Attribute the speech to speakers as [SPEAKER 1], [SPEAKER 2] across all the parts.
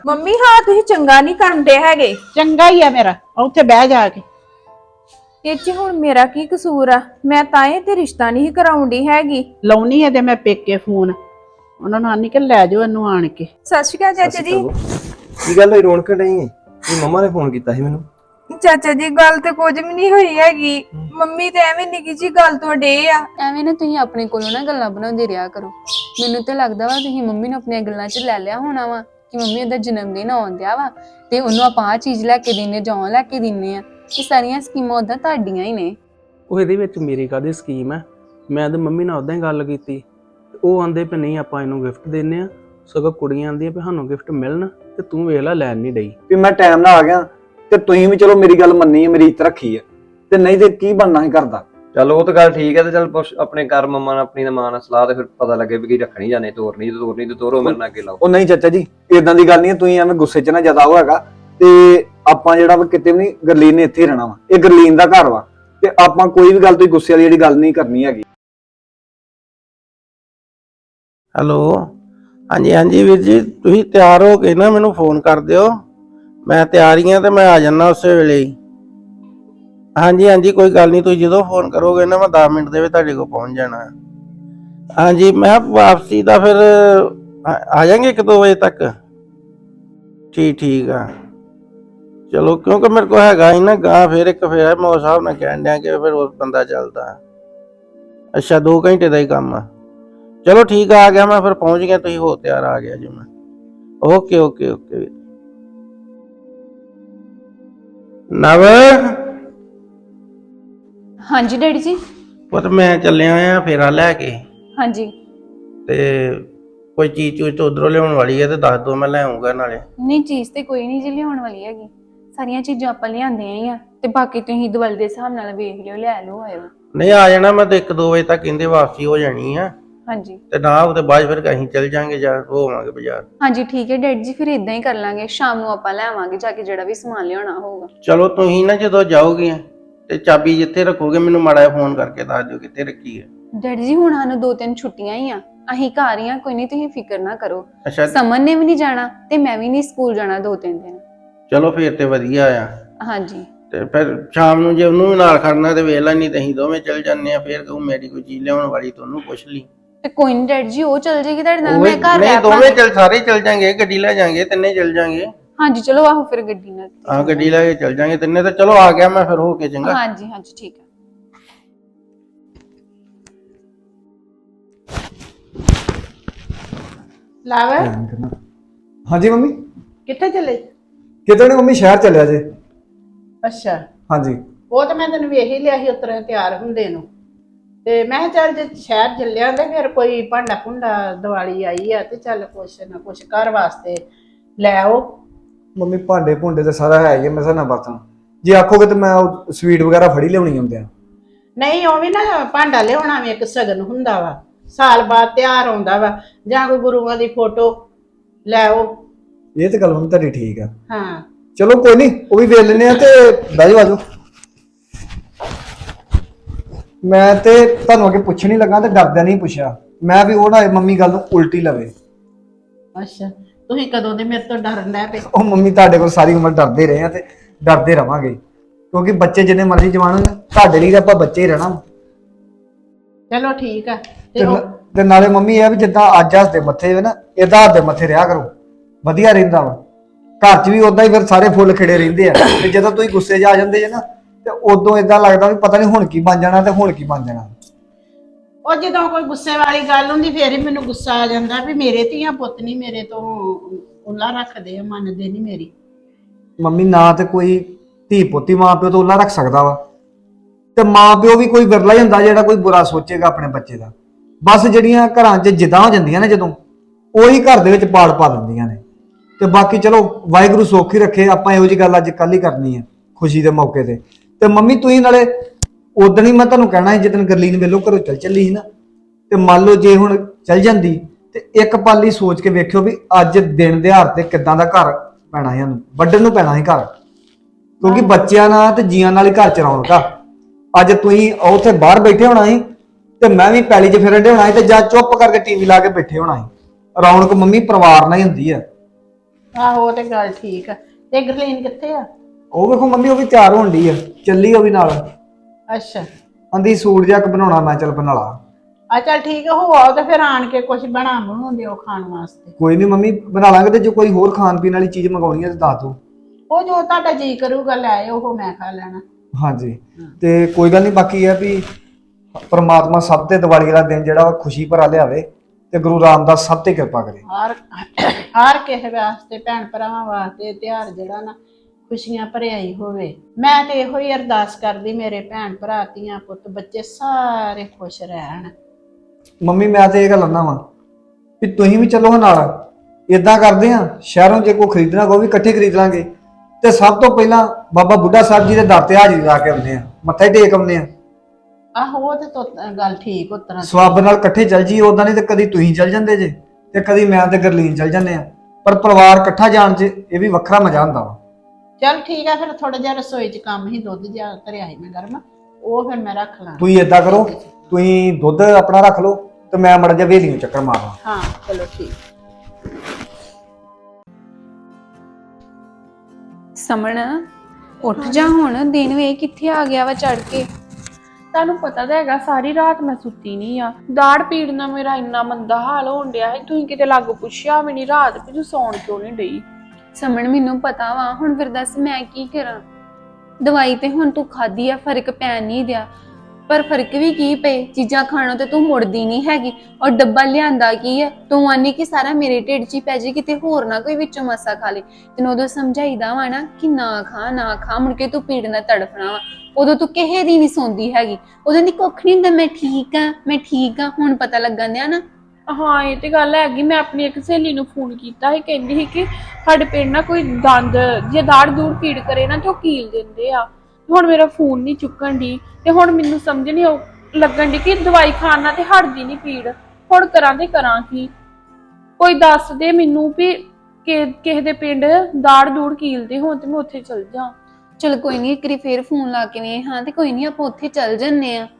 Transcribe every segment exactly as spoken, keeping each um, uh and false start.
[SPEAKER 1] Mummy ਹਾਂ ਤੁਸੀਂ ਚੰਗਾ ਨਹੀਂ ਕਰਦੇ ਹੈਗੇ।
[SPEAKER 2] ਚੰਗਾ ਹੀ ਆ ਮੇਰਾ, ਉੱਥੇ ਬਹਿ ਜਾ ਕੇ।
[SPEAKER 1] ਇਹ ਚ ਹੁਣ ਮੇਰਾ ਕੀ ਕਸੂਰ ਆ? ਮੈਂ ਤਾਂ ਇਹ ਤੇ ਰਿਸ਼ਤਾ ਨਹੀਂ ਕਰਾਉਂਦੀ ਹੈਗੀ।
[SPEAKER 2] ਲਾਉਣੀ ਹੈ ਤੇ ਮੈਂ ਪੇਕੇ ਫੋਨ ਉਹਨਾਂ ਨੂੰ ਆਨੀ ਕਿ ਲੈ ਜਾਓ ਇਹਨੂੰ ਆਣ ਕੇ।
[SPEAKER 1] ਸਤਿ ਸ਼੍ਰੀ ਅਕਾਲ ਚਾਚਾ ਜੀ।
[SPEAKER 3] ਕੀ ਗੱਲ ਹੋਈ, ਰੌਣਕ ਨਹੀਂ ਹੈ? ਇਹ ਮੰਮਾ ਨੇ ਫੋਨ ਕੀਤਾ ਸੀ ਮੈਨੂੰ।
[SPEAKER 1] ਚਾਚਾ ਜੀ ਗੱਲ ਤੇ ਕੁਝ ਵੀ ਨਹੀਂ ਹੋਈ ਹੈਗੀ। ਮੰਮੀ ਤੇ ਐਵੇਂ ਨਿੱਕੀ ਜੀ ਗੱਲ ਤੋਂ ਡੇ ਆ।
[SPEAKER 4] ਐਵੇਂ ਨਾ ਤੁਸੀਂ ਆਪਣੇ ਕੋਲੋਂ ਨਾ ਗੱਲਾਂ ਬਣਾਉਂਦੇ ਰਿਹਾ ਕਰੋ। ਮੈਨੂੰ ਤੇ ਲੱਗਦਾ ਵਾ ਤੁਸੀਂ ਮੰਮੀ ਨੂੰ ਆਪਣੀਆਂ ਗੱਲਾਂ 'ਚ ਲੈ ਲਿਆ ਹੋਣਾ ਵਾ ਕਿ ਮੰਮੀ ਉਹਦਾ ਜਨਮ ਦਿਨ ਆਉਣ ਡਿਆ ਵਾ ਤੇ ਉਹਨੂੰ ਆਪਾਂ ਆਹ ਚੀਜ਼ ਲੈ ਕੇ ਦਿੰਨੇ, ਜਾਂ ਲੈ ਕੇ ਦਿੰਨੇ ਆ। ਇਹ ਸਾਰੀਆਂ ਸਕੀਮਾਂ ਉਦਾਂ ਤੁਹਾਡੀਆਂ ਹੀ ਨੇ।
[SPEAKER 5] ਉਹ ਇਹਦੇ ਵਿੱਚ ਮੇਰੀ ਕਾਹਦੀ ਸਕੀਮ ਹੈ? ਮੈਂ ਤੇ ਮੰਮੀ ਨਾਲ ਉਦਾਂ ਹੀ ਗੱਲ ਕੀਤੀ, ਉਹ ਆਂਦੇ ਪਏ ਨਹੀਂ ਆਪਾਂ ਇਹਨੂੰ ਗਿਫਟ ਦਿੰਨੇ ਆ, ਸਗੋਂ ਕੁੜੀਆਂ ਆਂਦੀਆਂ ਪਈ ਸਾਨੂੰ ਗਿਫਟ ਮਿਲਣ, ਤੇ ਤੂੰ ਵੇਖ ਲੈ ਲੈਣ ਨਹੀਂ ਡਈ।
[SPEAKER 3] ਵੀ ਮੈਂ ਟਾਈਮ ਨਾਲ ਆ ਗਿਆ ਤੇ ਤੁਸੀਂ ਵੀ ਚਲੋ ਮੇਰੀ ਗੱਲ ਮੰਨੀ ਹੈ, ਮੇਰੀ ਇੱਜ਼ਤ ਰੱਖੀ ਹੈ, ਤੇ ਨਹੀਂ ਤੇ ਕੀ ਬਣਨਾ ਸੀ ਕਰਦਾ। ਚਲ ਉਹ ਤਾਂ ਗੱਲ ਠੀਕ ਹੈ, ਤੇ ਚਲ ਆਪਣੇ ਘਰ ਮੰਮਾ ਨਾਲ ਆਪਣੀ ਮਾਂ ਨਾਲ ਸਲਾਹ ਤੇ ਫਿਰ ਪਤਾ ਲੱਗੇ ਵੀ ਕੀ ਰੱਖਣੀ ਜਾਣੇ, ਤੋਰਨੀ ਤੇ ਤੋਰਨੀ ਤੇ ਤੋਰੋ, ਮੇਰੇ ਨਾਲ ਅੱਗੇ ਲਾਓ। ਉਹ ਨਹੀਂ ਚਾਚਾ ਜੀ, ਇਦਾਂ ਦੀ ਗੱਲ ਨਹੀਂ ਹੈ, ਤੁਸੀਂ ਐਵੇਂ ਗੁੱਸੇ 'ਚ ਨਾ ਜ਼ਿਆਦਾ ਹੋ ਹੈਗਾ। ਤੇ ਆਪਾਂ ਜਿਹੜਾ ਵਾ ਕਿਤੇ ਵੀ ਨਹੀਂ, ਗਰਲੀਨ ਨੇ ਇੱਥੇ ਰਹਿਣਾ ਵਾ, ਇਹ ਗਰਲੀਨ ਦਾ ਘਰ ਵਾ, ਤੇ ਆਪਾਂ ਕੋਈ ਵੀ ਗੱਲ ਤੁਸੀਂ ਗੁੱਸੇ ਵਾਲੀ ਜਿਹੜੀ ਗੱਲ ਨਹੀਂ ਕਰਨੀ ਹੈਗੀ।
[SPEAKER 6] ਹੈਲੋ, ਹਾਂਜੀ ਹਾਂਜੀ ਵੀਰ ਜੀ, ਤੁਸੀਂ ਤਿਆਰ ਹੋ ਕੇ ਨਾ ਮੈਨੂੰ ਫੋਨ ਕਰ ਦਿਓ, ਮੈਂ ਤਿਆਰ ਹੀ ਹਾਂ ਤੇ ਮੈਂ ਆ ਜਾਣਾ ਉਸੇ ਵੇਲੇ ਹੀ। ਹਾਂਜੀ ਹਾਂਜੀ ਕੋਈ ਗੱਲ ਨਹੀਂ, ਤੁਸੀਂ ਜਦੋਂ ਫੋਨ ਕਰੋਗੇ ਨਾ ਮੈਂ ਦਸ ਮਿੰਟ ਦੇ ਵਿੱਚ ਤੁਹਾਡੇ ਕੋਲ ਪਹੁੰਚ ਜਾਣਾ। ਹਾਂਜੀ ਮੈਂ ਵਾਪਸੀ ਦਾ ਫਿਰ ਆ ਜਾਵਾਂਗੇ ਇੱਕ ਦੋ ਵਜੇ ਤੱਕ। ਠੀਕ ਠੀਕ ਆ, ਚਲੋ, ਕਿਉਂਕਿ ਮੇਰੇ ਕੋਲ ਹੈਗਾ ਹੀ ਨਾ ਗਾਂ, ਫਿਰ ਇੱਕ ਫੇਰ ਮੈਂ ਉਸ ਹਿਸਾਬ ਨਾਲ ਕਹਿਣ ਡਿਆ ਕਿ ਫਿਰ ਉਸ ਬੰਦਾ ਚੱਲਦਾ। ਅੱਛਾ, ਦੋ ਘੰਟੇ ਦਾ ਹੀ ਕੰਮ ਆ। ਚਲੋ ਠੀਕ ਆ, ਆ ਗਿਆ ਮੈਂ, ਫਿਰ ਪਹੁੰਚ ਗਿਆ, ਤੁਸੀਂ ਹੋ ਤਿਆਰ, ਆ ਗਿਆ ਜੀ ਮੈਂ। Okay okay okay. ਨਵ,
[SPEAKER 4] ਹਾਂਜੀ ਡੈਡੀ ਜੀ।
[SPEAKER 6] ਪੁੱਤ ਮੈਂ ਚੱਲਿਆ ਆ ਫੇਰਾ ਲੈ ਕੇ,
[SPEAKER 4] ਹਾਂਜੀ।
[SPEAKER 6] ਤੇ ਕੋਈ ਚੀਜ਼ ਚੂਜ਼ ਤੋਂ ਉਧਰੋਂ ਲਿਆਉਣ ਵਾਲੀ ਹੈ ਤੇ ਦੱਸ ਦੋ, ਮੈਂ ਲੈ ਆਉਂਗਾ ਨਾਲੇ।
[SPEAKER 4] ਨਹੀਂ, ਚੀਜ਼ ਤੇ ਕੋਈ ਨਹੀਂ ਜੀ ਲਿਆਉਣ ਵਾਲੀ ਹੈਗੀ, ਸਾਰੀਆਂ ਚੀਜ਼ਾਂ ਆਪਾਂ ਲਿਆਂਦੀਆਂ ਹੀ ਆ, ਤੇ ਬਾਕੀ ਤੁਸੀਂ ਦਵਾਈ ਦੇ ਹਿਸਾਬ ਨਾਲ ਵੇਖ ਲਿਓ, ਲੈ ਲਓ ਆਇਓ।
[SPEAKER 6] ਨਹੀਂ ਆ ਜਾਣਾ ਮੈਂ, ਤੇ ਇੱਕ ਦੋ ਵਜੇ ਤੱਕ ਕਹਿੰਦੇ ਵਾਪਸੀ ਹੋ ਜਾਣੀ ਆ।
[SPEAKER 4] ਹਾਂਜੀ।
[SPEAKER 6] ਤੇ ਨਾ ਉਹਦੇ ਬਾਅਦ ਫਿਰ ਅਸੀਂ ਚੱਲ ਜਾਾਂਗੇ ਜਾਂ ਹੋਵਾਂਗੇ ਬਾਜ਼ਾਰ।
[SPEAKER 4] ਹਾਂਜੀ ਠੀਕ ਹੈ ਡੈਡੀ ਜੀ, ਫਿਰ ਇਦਾਂ ਹੀ ਕਰ ਲਾਂਗੇ, ਸ਼ਾਮ ਨੂੰ ਆਪਾਂ ਲੈ ਆਵਾਂਗੇ ਜਾ ਕੇ ਜਿਹੜਾ ਵੀ ਸਮਾਨ ਲਿਆਉਣਾ ਹੋਊਗਾ।
[SPEAKER 6] ਚਲੋ ਤੁਸੀਂ ਨਾ ਜਦੋਂ ਜਾਓਗੇ ਤੇ ਚਾਬੀ ਜਿੱਥੇ ਰੱਖੋਗੇ ਮੈਨੂੰ ਮਾੜਾ ਜਿਹਾ ਫੋਨ ਕਰਕੇ ਦੱਸ ਦਿਓ ਕਿੱਥੇ ਰੱਖੀ ਹੈ।
[SPEAKER 4] ਡੈਡੀ ਜੀ ਹੁਣ ਸਾਨੂੰ ਦੋ ਤਿੰਨ ਛੁੱਟੀਆਂ ਹੀ ਆ, ਅਸੀਂ ਘਰ ਹੀ ਆ, ਕੋਈ ਨਹੀਂ ਤੁਸੀਂ ਫਿਕਰ ਨਾ ਕਰੋ।
[SPEAKER 6] ਅੱਛਾ,
[SPEAKER 4] ਸਮਨ ਨੇ ਵੀ ਨਹੀਂ ਜਾਣਾ ਤੇ ਮੈਂ ਵੀ ਨਹੀਂ ਸਕੂਲ ਜਾਣਾ ਦੋ ਤਿੰਨ ਦਿਨ।
[SPEAKER 6] ਚਲੋ ਫੇਰ ਤੇ ਵਧੀਆ ਆ।
[SPEAKER 4] ਹਾਂਜੀ।
[SPEAKER 6] ਤੇ ਫਿਰ ਸ਼ਾਮ ਨੂੰ ਜੇ ਉਹਨੂੰ ਵੀ ਨਾਲ ਖੜਨਾ ਤੇ ਵੇਖ ਲੈ, ਨਹੀਂ ਤੇ ਅਸੀਂ ਦੋਵੇਂ ਚੱਲ ਜਾਂਦੇ ਆ। ਫਿਰ ਕਹੂੰ ਮੇਰੀ ਕੋਈ ਚੀਜ਼ ਲਿਆਉਣ ਵਾਲੀ, ਤੁਹਾਨੂੰ ਪੁੱਛ ਲਈ।
[SPEAKER 4] ਤੇ ਕੋਈ ਨਹੀਂ ਡੈਡੀ ਜੀ, ਉਹ ਚੱਲ ਜਾਏਗੀ ਤੁਹਾਡੇ ਨਾਲ, ਮੈਂ ਘਰ
[SPEAKER 6] ਨਹੀਂ ਦੋਵੇਂ ਚੱਲ, ਸਾਰੇ ਚੱਲ ਜਾਾਂਗੇ, ਗੱਡੀ ਲੈ ਜਾਾਂਗੇ, ਤਿੰਨੇ ਚੱਲ ਜਾਾਂਗੇ।
[SPEAKER 4] ਹਾਂਜੀ ਚਲੋ, ਆਹੋ ਫਿਰ ਗੱਡੀ ਨਾਲ।
[SPEAKER 6] ਹਾਂ ਗੱਡੀ ਲੈ ਕੇ ਚੱਲ ਜਾਾਂਗੇ ਤਿੰਨੇ। ਤੇ ਚਲੋ ਆ ਗਿਆ ਮੈਂ, ਫਿਰ ਹੋ ਕੇ ਚੰਗਾ।
[SPEAKER 4] ਹਾਂਜੀ ਹਾਂਜੀ ਠੀਕ ਹੈ।
[SPEAKER 2] ਲਾਵਾ,
[SPEAKER 3] ਹਾਂਜੀ ਮੰਮੀ।
[SPEAKER 2] ਕਿੱਥੇ ਚੱਲੇ?
[SPEAKER 3] ਕਿਤੇ ਨਹੀਂ ਮੰਮੀ, ਸ਼ਹਿਰ ਚੱਲਿਆ ਜੇ।
[SPEAKER 2] ਅੱਛਾ,
[SPEAKER 3] ਹਾਂਜੀ।
[SPEAKER 2] ਉਹ ਤਾਂ ਮੈਂ ਤੈਨੂੰ ਵੇਖ ਹੀ ਲਿਆ ਸੀ ਉਤਰੇ ਤਿਆਰ ਹੁੰਦੇ ਨੂੰ, ਤੇ ਮੈਂ ਕਿਹਾ ਚੱਲ ਜੇ ਸ਼ਹਿਰ ਚੱਲਿਆ ਤੇ ਫਿਰ ਕੋਈ ਭਾਂਡਾ ਭੁੰਡਾ, ਦੀਵਾਲੀ ਆਈ ਆ ਤੇ ਚੱਲ ਕੁਛ ਨਾ ਕੁਛ ਘਰ ਵਾਸਤੇ ਲੈ ਆਓ।
[SPEAKER 3] ਮੰਮੀ ਭਾਂਡੇ ਭੁੰਡੇ ਤੇ ਸਾਰਾ ਹੈ ਹੀ ਆ, ਮੈਂ ਸਾਨਾ ਬਰਤਨ ਜੇ ਆਖੋਗੇ ਤੇ ਮੈਂ ਉਹ ਸਵੀਟ ਵਗੈਰਾ ਫੜੀ ਲਿਆਉਣੀ ਹੁੰਦੇ ਆ।
[SPEAKER 2] ਨਹੀਂ, ਉਹ ਵੀ ਨਾ ਭਾਂਡਾ ਲਿਆਉਣਾ ਵੀ ਇੱਕ ਸਗਨ ਹੁੰਦਾ ਵਾ, ਸਾਲ ਬਾਅਦ ਤਿਉਹਾਰ ਆਉਂਦਾ ਵਾ, ਜਾਂ ਕੋਈ ਗੁਰੂਆਂ ਦੀ ਫੋਟੋ ਲੈ ਆਓ।
[SPEAKER 3] ਇਹ ਤੇ ਗੱਲ ਮੰਮੀ ਤੁਹਾਡੀ ਠੀਕ ਆ।
[SPEAKER 2] ਹਾਂ
[SPEAKER 3] ਚਲੋ ਕੋਈ ਨਹੀਂ, ਉਹ ਵੀ ਵੇਖ ਲੈਨੇ ਆ। ਤੇ ਬਹਿ ਜਾਓ, ਆਜੋ। ਮੈਂ ਤੇ ਤੁਹਾਨੂੰ ਅੱਗੇ ਪੁੱਛਣ ਹੀ ਲੱਗਾ ਤੇ ਡਰਦਿਆਂ ਨਹੀਂ ਪੁੱਛਿਆ, ਮੈਂ ਵੀ ਉਹ ਨਾ ਮੰਮੀ ਗੱਲ ਨੂੰ ਉਲਟੀ ਲਵੇ।
[SPEAKER 2] ਅੱਛਾ, ਤੁਸੀਂ ਕਦੋਂ ਦੇ ਮੇਰੇ ਤੋਂ ਡਰਨ ਲੱਗ ਪਏ?
[SPEAKER 3] ਉਹ ਮੰਮੀ ਤੁਹਾਡੇ ਕੋਲ ਸਾਰੀ ਉਮਰ ਡਰਦੇ ਰਹੇ ਆ ਤੇ ਡਰਦੇ ਰਵਾਂਗੇ, ਕਿਉਂਕਿ ਬੱਚੇ ਜਿੰਨੇ ਮਰਜ਼ੀ ਜਵਾਨ ਹੋਣ, ਤੁਹਾਡੇ ਲਈ ਆਪਾਂ ਬੱਚੇ ਹੀ ਰਹਿਣਾ।
[SPEAKER 2] ਚਲੋ ਠੀਕ ਆ।
[SPEAKER 3] ਤੇ ਤੇ ਨਾਲੇ ਮੰਮੀ ਇਹ ਵੀ ਜਿੱਦਾਂ ਅੱਜ ਹੱਸਦੇ ਮੱਥੇ ਵੇ ਨਾ, ਏਦਾਂ ਹੱਸਦੇ ਮੱਥੇ ਰਿਹਾ ਕਰੋ, ਵਧੀਆ ਰਹਿੰਦਾ ਵਾ। ਘਰ 'ਚ ਵੀ ਉਦਾਂ ਹੀ ਫਿਰ ਸਾਰੇ ਫੁੱਲ ਖਿੜੇ ਰਹਿੰਦੇ ਆ, ਤੇ ਜਦੋਂ ਤੁਸੀਂ ਗੁੱਸੇ 'ਚ ਆ ਜਾਂਦੇ ਜੇ ਨਾ, ਤੇ ਉਦੋਂ ਏਦਾਂ ਲੱਗਦਾ ਵੀ ਪਤਾ ਨਹੀਂ ਹੁਣ ਕੀ ਬਣ ਜਾਣਾ ਤੇ ਹੁਣ ਕੀ ਬਣ ਜਾਣਾ।
[SPEAKER 2] ਉਹ ਜਦੋਂ ਕੋਈ ਗੁੱਸੇ ਵਾਲੀ ਗੱਲ ਹੁੰਦੀ ਫੇਰ ਹੀ ਮੈਨੂੰ ਗੁੱਸਾ ਆ ਜਾਂਦਾ ਵੀ ਮੇਰੇ ਧੀਆਂ ਪੁੱਤ ਨਹੀਂ ਮੇਰੇ ਤੋਂ ਉੱਲਾ ਰੱਖਦੇ ਆ, ਮੰਨਦੇ ਨਹੀਂ ਮੇਰੀ।
[SPEAKER 3] ਮੰਮੀ ਨਾ ਤੇ ਕੋਈ ਧੀ ਪੁੱਤੀ ਮਾਂ ਪਿਓ ਤੋਂ ਉੱਲਾ ਰੱਖ ਸਕਦਾ ਵਾ, ਤੇ ਮਾਂ ਪਿਓ ਵੀ ਕੋਈ ਵਿਰਲਾ ਹੀ ਹੁੰਦਾ ਜਿਹੜਾ ਕੋਈ ਬੁਰਾ ਸੋਚੇਗਾ ਆਪਣੇ ਬੱਚੇ ਦਾ। ਬਸ ਜਿਹੜੀਆਂ ਘਰਾਂ 'ਚ ਜਿੱਦਾਂ ਹੋ ਜਾਂਦੀਆਂ ਨੇ ਜਦੋਂ, ਉਹੀ ਘਰ ਦੇ ਵਿੱਚ ਪਾੜ ਪਾ ਦਿੰਦੀਆਂ ਨੇ। ਤੇ ਬਾਕੀ ਚਲੋ ਵਾਹਿਗੁਰੂ ਸੁੱਖ ਹੀ ਰੱਖੇ, ਆਪਾਂ ਇਹੋ ਜਿਹੀ ਗੱਲ ਅੱਜ ਕੱਲ੍ਹ ਹੀ ਕਰਨੀ ਹੈ ਖੁਸ਼ੀ ਦੇ ਮੌਕੇ ਤੇ। ਤੇ ਮੰਮੀ ਤੁਸੀਂ ਨਾਲੇ ਉਦਣ ਹੀ ਮੈਂ ਤੁਹਾਨੂੰ ਕਹਿਣਾ ਸੀ, ਜਿੱਦਣ ਗਰਲੀਨ ਵੇਲੋ ਘਰੋਂ ਚੱਲ ਚੱਲੀ ਸੀ ਨਾ, ਤੇ ਮੰਨ ਲਓ ਜੇ ਹੁਣ ਚੱਲ ਜਾਂਦੀ ਤੇ ਇੱਕ ਪਲ ਹੀ ਸੋਚ ਕੇ ਵੇਖਿਓ ਵੀ ਅੱਜ ਦਿਨ ਦਿਹਾੜ ਤੇ ਕਿੱਦਾਂ ਦਾ ਘਰ ਪੈਣਾ ਸੀ, ਉਹਨੂੰ ਵੱਢਣ ਨੂੰ ਪੈਣਾ ਸੀ ਘਰ, ਕਿਉਂਕਿ ਬੱਚਿਆਂ ਨਾਲ ਤੇ ਜੀਆਂ ਨਾਲ ਹੀ ਘਰ ਚ ਰੌਣਕ ਆ। ਅੱਜ ਤੁਸੀਂ ਉੱਥੇ ਬਾਹਰ ਬੈਠੇ ਹੋਣਾ ਸੀ ਤੇ ਮੈਂ ਵੀ ਪੈਲੀ 'ਚ ਫਿਰਨ ਡੇ ਹੋਣਾ ਸੀ, ਤੇ ਜਾਂ ਚੁੱਪ ਕਰਕੇ ਟੀਵੀ ਲਾ ਕੇ ਬੈਠੇ ਹੋਣਾ ਸੀ। ਰੌਣਕ ਮੰਮੀ ਪਰਿਵਾਰ ਨਾਲ ਹੀ ਹੁੰਦੀ ਆ।
[SPEAKER 2] ਆਹੋ ਉਹ ਤੇ ਗੱਲ ਠੀਕ ਆ। ਤੇ ਗਰਲੀਨ ਕਿੱਥੇ ਆ?
[SPEAKER 3] ਉਹ ਵੇਖੋ ਮੰਮੀ ਉਹ ਵੀ ਤਿਆਰ ਹੋਣ ਡਈ ਆ, ਚੱਲੀ ਉਹ ਵੀ ਨਾਲ।
[SPEAKER 2] ਅੱਛਾ
[SPEAKER 3] ਆਂਦੀ ਸੂਟ ਜਿਹਾ ਕ ਬਣਾਉਣਾ, ਮੈਂ ਚੱਲ ਬਣਾ ਲਾ।
[SPEAKER 2] ਆ ਚੱਲ ਠੀਕ ਆ, ਹੋ ਆਓ ਤੇ ਫਿਰ ਆਣ ਕੇ ਕੁਝ ਬਣਾ ਬਣਾਉਂ ਦਿਓ ਖਾਣ ਵਾਸਤੇ।
[SPEAKER 3] ਕੋਈ ਨਹੀਂ ਮੰਮੀ ਬਣਾ ਲਾਂਗੇ, ਤੇ ਜੇ ਕੋਈ ਹੋਰ ਖਾਣ ਪੀਣ ਵਾਲੀ ਚੀਜ਼ ਮੰਗਾਉਣੀ ਹੈ ਤਾਂ ਦੱਸ ਦਿਓ।
[SPEAKER 2] ਉਹ ਜੋ ਤੁਹਾਡਾ ਜੀ ਕਰੂਗਾ ਲੈ ਆਇਓ, ਉਹ ਮੈਂ ਖਾ ਲੈਣਾ।
[SPEAKER 3] ਹਾਂਜੀ ਤੇ ਕੋਈ ਗੱਲ ਨਹੀਂ, ਬਾਕੀ ਇਹ ਆ ਵੀ ਪਰਮਾਤਮਾ ਸਭ ਤੇ ਦੀਵਾਲੀ ਵਾਲਾ ਦਿਨ ਜਿਹੜਾ ਉਹ ਖੁਸ਼ੀ ਭਰਾ ਲਿਆਵੇ, ਤੇ ਗੁਰੂ ਰਾਮਦਾਸ ਸਭ ਤੇ ਕਿਰਪਾ ਕਰੇ।
[SPEAKER 2] ਹਰ ਹਰ ਕਿਸੇ ਵਾਸਤੇ, ਭੈਣ ਭਰਾਵਾਂ ਵਾਸਤੇ ਤਿਉਹਾਰ ਜਿਹੜਾ ਨਾ ਖੁਸ਼ੀਆਂ ਭਰਿਆ ਹੀ ਹੋਵੇ। ਮੈਂ ਤੇ ਇਹੋ ਹੀ ਅਰਦਾਸ ਕਰਦੀ, ਮੇਰੇ ਭੈਣ ਭਰਾ ਧੀਆਂ ਪੁੱਤ ਬੱਚੇ ਸਾਰੇ ਖੁਸ਼ ਰਹਿਣ।
[SPEAKER 3] ਮੰਮੀ ਮੈਂ ਤੇ ਇਹ ਗੱਲ ਆਨਾ ਵਾਂ ਵੀ ਤੁਸੀਂ ਵੀ ਚੱਲੋ ਨਾਲ। ਇਦਾਂ ਕਰਦੇ ਆ, ਸ਼ਹਿਰੋਂ ਜੇ ਕੋਈ ਖਰੀਦਣਾ ਕੋਈ ਵੀ ਇਕੱਠੇ ਖਰੀਦ ਲਾਂਗੇ, ਤੇ ਸਭ ਤੋਂ ਪਹਿਲਾਂ ਬਾਬਾ ਬੁੱਢਾ ਸਾਹਿਬ ਜੀ ਦੇ ਦਰ ਤੇ ਹਾਜ਼ਰੀ ਲਾ ਕੇ ਆਉਂਦੇ ਆ, ਮੱਥਾ ਹੀ ਟੇਕ ਆਉਂਦੇ ਆ।
[SPEAKER 2] ਆਹੋ ਉਹ ਤੇ ਤੁ- ਗੱਲ ਠੀਕ ਉਤਰਾ।
[SPEAKER 3] ਸਵਾਬ ਨਾਲ ਇਕੱਠੇ ਚੱਲ ਜੀ, ਉਦਾਂ ਨਹੀਂ ਤੇ ਕਦੀ ਤੁਸੀਂ ਚੱਲ ਜਾਂਦੇ ਜੇ ਤੇ ਕਦੀ ਮੈਂ ਤੇ ਗਰਲੀਨ ਚੱਲ ਜਾਂਦੇ ਆ, ਪਰ ਪਰਿਵਾਰ ਇਕੱਠਾ ਜਾਣ 'ਚ ਇਹ ਵੀ ਵੱਖਰਾ ਮਜ਼ਾ ਹੁੰਦਾ ਵਾ।
[SPEAKER 2] ਚੱਲ ਠੀਕ ਆ, ਫਿਰ ਥੋੜਾ ਜਿਹਾ ਰਸੋਈ 'ਚ ਕੰਮ ਹੀ, ਦੁੱਧ ਜਿਹਾ ਧਰਿਆ ਸੀ ਮੈਂ ਗਰਮ, ਉਹ ਫਿਰ ਮੈਂ ਰੱਖ ਲਾਂ।
[SPEAKER 3] ਤੁਸੀਂ ਏਦਾਂ ਕਰੋ, ਤੁਸੀਂ ਦੁੱਧ ਆਪਣਾ ਰੱਖ ਲਓ ਤੇ ਮੈਂ ਮੜ ਜਾ ਵੇਲੀ ਨੂੰ ਚੱਕਰ ਮਾਰਨਾ।
[SPEAKER 2] ਹਾਂ ਚਲੋ ਠੀਕ।
[SPEAKER 4] ਸਮਣ ਉੱਠ ਜਾ ਹੁਣ, ਦਿਨ ਵੇ ਕਿੱਥੇ ਆ ਗਿਆ ਵਾ ਚੜ ਕੇ।
[SPEAKER 1] ਤੁਹਾਨੂੰ ਪਤਾ ਤਾਂ ਹੈਗਾ ਸਾਰੀ ਰਾਤ ਮੈਂ ਸੁੱਤੀ ਨਹੀਂ ਆ, ਦਾੜ ਪੀੜ ਨਾਲ ਮੇਰਾ ਇੰਨਾ ਮੰਦਾ ਹਾਲ ਹੋਣ ਡਿਆ ਹੈ। ਤੁਸੀਂ ਕਿਤੇ ਲਾਗੂ ਪੁੱਛਿਆ ਵੀ ਨਹੀਂ ਰਾਤ ਵੀ ਤੂੰ ਸੌਣ ਕਿਉਂ ਨਹੀਂ ਡਈ।
[SPEAKER 4] ਸਮਣ ਮੈਨੂੰ ਪਤਾ ਵਾ, ਹੁਣ ਫਿਰ ਦੱਸ ਮੈਂ ਕੀ ਕਰਾਂ। ਦਵਾਈ ਤੇ ਹੁਣ ਤੂੰ ਖਾਧੀ ਆ, ਫਰਕ ਪੈਣ ਨਹੀਂ ਦਿਆ, ਪਰ ਫਰਕ ਵੀ ਕੀ ਪਏ, ਚੀਜ਼ਾਂ ਖਾਣੋਂ ਤੇ ਤੂੰ ਮੁੜਦੀ ਨਹੀਂ ਹੈਗੀ। ਔਰ ਡੱਬਾ ਲਿਆਂਦਾ ਕੀ ਹੈ, ਤੂੰ ਆਨੀ ਕਿ ਸਾਰਾ ਮੇਰੇ ਢਿੱਡ 'ਚ ਹੀ ਪੈ ਜੇ, ਕਿਤੇ ਹੋਰ ਨਾ ਕੋਈ ਵਿੱਚੋਂ ਮਸਾ ਖਾ ਲੇ। ਤੈਨੂੰ ਉਦੋਂ ਸਮਝਾਈਦਾ ਵਾ ਨਾ ਕਿ ਨਾ ਖਾ ਨਾ ਖਾ, ਮੁੜ ਕੇ ਤੂੰ ਪੀੜ ਨਾਲ ਤੜਫਣਾ ਵਾ। ਉਦੋਂ ਤੂੰ ਕਿਸੇ ਦੀ ਨਹੀਂ ਸੌਂਦੀ ਹੈਗੀ, ਉਦੋਂ ਦੀ ਕੁੱਖ ਨਹੀਂ ਹੁੰਦਾ, ਮੈਂ ਠੀਕ ਆ ਮੈਂ ਠੀਕ ਆ। ਹੁਣ ਪਤਾ ਲੱਗਣ ਦਿਆ ਨਾ।
[SPEAKER 1] ਹਾਂ ਇਹ ਤੇ ਗੱਲ ਹੈਗੀ, ਮੈਂ ਆਪਣੀ ਇੱਕ ਸਹੇਲੀ ਨੂੰ ਫੋਨ ਕੀਤਾ ਸੀ, ਕਹਿੰਦੀ ਸੀ ਕਿ ਸਾਡੇ ਪਿੰਡ ਨਾ ਕੋਈ ਦੰਦ ਜੇ ਦਾੜ ਦੂੜ ਪੀੜ ਕਰੇ ਨਾ ਤੇ ਉਹ ਕੀਲ ਦਿੰਦੇ ਆ। ਹੁਣ ਮੇਰਾ ਫੋਨ ਨਹੀਂ ਚੁੱਕਣ ਦੀ, ਤੇ ਹੁਣ ਮੈਨੂੰ ਸਮਝ ਨਹੀਂ ਲੱਗਣ ਦੀ ਕਿ ਦਵਾਈ ਖਾਣ ਨਾਲ ਤੇ ਹਟਦੀ ਨਹੀਂ ਪੀੜ, ਹੁਣ ਕਰਾਂ ਤੇ ਕਰਾਂ ਕੀ। ਕੋਈ ਦੱਸ ਦੇ ਮੈਨੂੰ ਵੀ ਕਿ ਕਿਸੇ ਦੇ ਪਿੰਡ ਦਾੜ ਦੂੜ ਕੀਲਦੇ ਹੋਣ ਤੇ ਮੈਂ ਉੱਥੇ ਚਲ ਜਾ।
[SPEAKER 4] ਚਲ ਕੋਈ ਨਹੀਂ, ਇੱਕ ਵਾਰੀ ਫੇਰ ਫੋਨ ਲਾ ਕੇ ਵੇ ਹਾਂ, ਤੇ ਕੋਈ ਨਹੀਂ ਆਪਾਂ ਉੱਥੇ ਚੱਲ ਜੰਨੇ ਆ।